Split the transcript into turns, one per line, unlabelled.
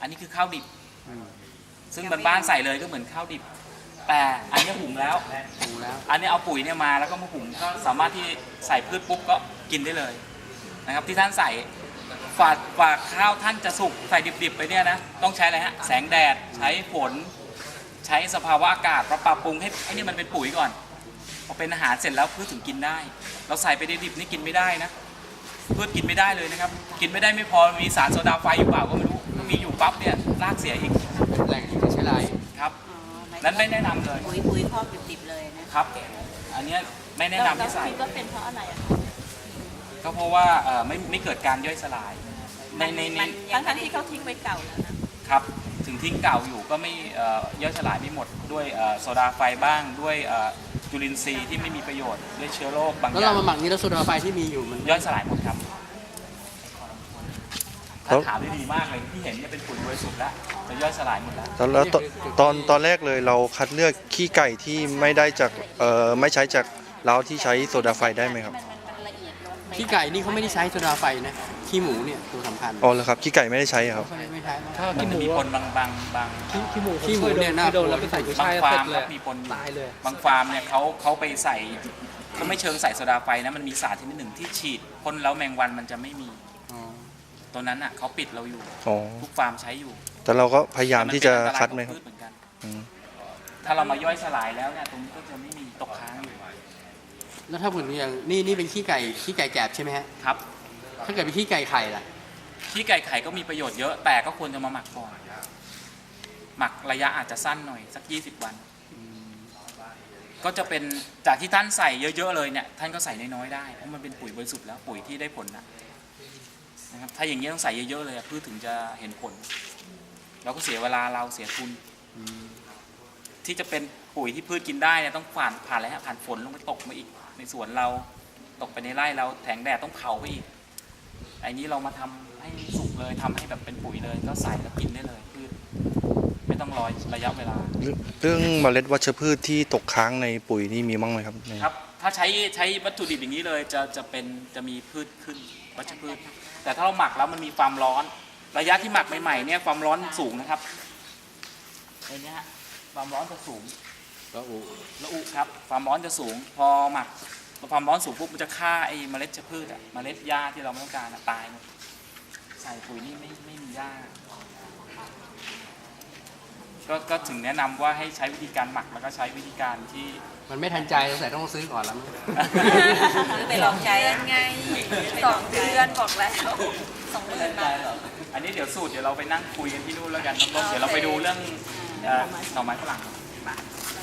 อันนี้คือข้าวดิบซึ่งบ้านๆใส่เลยก็เหมือนข้าวดิบแต่อันนี้หุงแล้วอันนี้เอาปุ๋ยเนี่ยมาแล้วก็มาหุงก็สามารถที่ใส่พืชปุ๊บก็กินได้เลยนะครับที่ท่านใส่ฝากข้าวท่านจะสุกใส่ดิบๆไปเนี่ยนะต้องใช้อะไรฮะแสงแดดใช้ฝนใช้สภาวะอากาศปรับปรุงให้ไอ้นี่มันเป็นปุ๋ยก่อนพอเป็นอาหารเสร็จแล้วพืชถึงกินได้เราใส่ไปดิบๆนี่กินไม่ได้นะพืชกินไม่ได้เลยนะครับกินไม่ได้ไม่พอมีสารโซดาไฟอยู่เปล่าก็ไม่รู้ถ้ามีอยู่ปั๊บเนี่ยรากเสียอีก
แหล่งที่ใช้ไร
ครับนั้นไม่แนะนำเลย
ปุ๋ยครอบดิบๆเลยนะครับ
อันนี้ไม่แนะนำให้ใส่
ก็เป็นเพราะอะไรอะ
ก็เพราะว่าไม่เกิดการย่อยสลายใน
ทั้งที่เขาทิ้งไว้เก่าแล้วนะครับ
ถึงทิ้งเก่าอยู่ก็ไม่ย่อยสลายไม่หมดด้วยโซดาไฟบ้างด้วยจุลินทรีย์ที่ไม่มีประโยชน์ด้วยเชื้อโรคบางอย่าง
แล้วเรามาหมักนี้แล้วโซดาไฟที่มีอยู่มัน
ย่อยสลายหมดครับถ้าถามได้ดีมากเลยที่เห็นเนี่ยเป็นปุ๋ยบริสุทธิ์แล้วจะย่อยสลายหมดแล้ว
แล้วตอนแรกเลยเราคัดเลือกขี้ไก่ที่ไม่ได้จากไม่ใช้จากเล้าที่ใช้โซดาไฟได้ไหมครับ
ขี้ไก่นี่เขาไม่ได้ใช้โซดาไฟนะขี้หมูเนี่ยตัวสำคัญ
อ๋อเหรอครับขี้ไก่ไม่ได้ใช้ครับ
ไม่ใช้
มันจะมีปนบาง
ขี้หมูเนี่ยนะโดนแล้วไปใส่กุ้ยช่าย
ฟาร์มมีปนตายเลยบางฟาร์มเนี่ยเขาไปใส่เขาไม่เชิงใส่โซดาไฟนะมันมีสารชนิดหนึ่งที่ฉีดพ่นแล้วแมงวันมันจะไม่มีตัวนั้นอ่ะเขาปิดเราอยู่ทุกฟาร์มใช้อยู่
แต่เราก็พยายามที่จะคัดไหมครับ
ถ้าเรามาย่อยสลายแล้วเนี่ยตรงนี้ก็จะไม่มีตกค้างอยู่
แล้วถ้าผมอย่างนี่เป็นขี้ไก่แกบใช่ไหมฮะ
ครับ
ถ้าเกิดเป็นขี้ไก่ไข่ล่ะ
ขี้ไก่ไข่ก็มีประโยชน์เยอะแต่ก็ควรจะมาหมักก่อนหมักระยะอาจจะสั้นหน่อยสัก20 วันก็จะเป็นจากที่ท่านใส่เยอะๆเลยเนี่ยท่านก็ใส่น้อยๆได้เพราะมันเป็นปุ๋ยบริสุทธิ์แล้วปุ๋ยที่ได้ผลนะครับถ้าอย่างนี้ต้องใส่เยอะๆเลยพืชถึงจะเห็นผลเราก็เสียเวลาเราเสียทุนที่จะเป็นปุ๋ยที่พืชกินได้เนี่ยต้องผ่านอะไรฮะผ่านฝนลงไปตกมาอีกในสวนเราตกไปในไร่เราแสงแดดต้องเผาไปอีกไอ้นี้เรามาทำให้สุกเลยทำให้แบบเป็นปุ๋ยเลยก็ใส่แล้วกินได้เลยพืชไม่ต้องรอระยะเวลา
เรื่องเมล็ดวัชพืชที่ตกค้างในปุ๋ยนี่มีบ้างไหมครับ
ครับถ้าใช้วัตถุดิบอย่างนี้เลยจะมีพืชขึ้นวัชพืชแต่ถ้าเราหมักแล้วมันมีความร้อนระยะที่หมักใหม่ๆเนี่ยความร้อนสูงนะครับไอ้นี้ความร้อนจะสูง
ละ
อุครับความร้อนจะสูงพอหมักความร้อนสูงปุ๊บมันจะฆ่าไอ้เมล็ดพืชเมล็ดหญ้าที่เราไม่ต้องการตายหมดใส่ปุ๋ยนี่ไม่มีหญ้าก็ถึงแนะนำว่าให้ใช้วิธีการหมักแล้วก็ใช้วิธีการที่
มันไม่ทันใจแต่ต้องซื้อก่อนแล้ว
ไปลองใช้ยังไง2 เดือนบอกแล้ว2 เดือนมา
อันนี้เดี๋ยวสูตรเดี๋ยวเราไปนั่งคุยกันที่นู่นแล้วกันน้องๆเดี๋ยวเราไปดูเรื่องหน่อไม้ฝรั่ง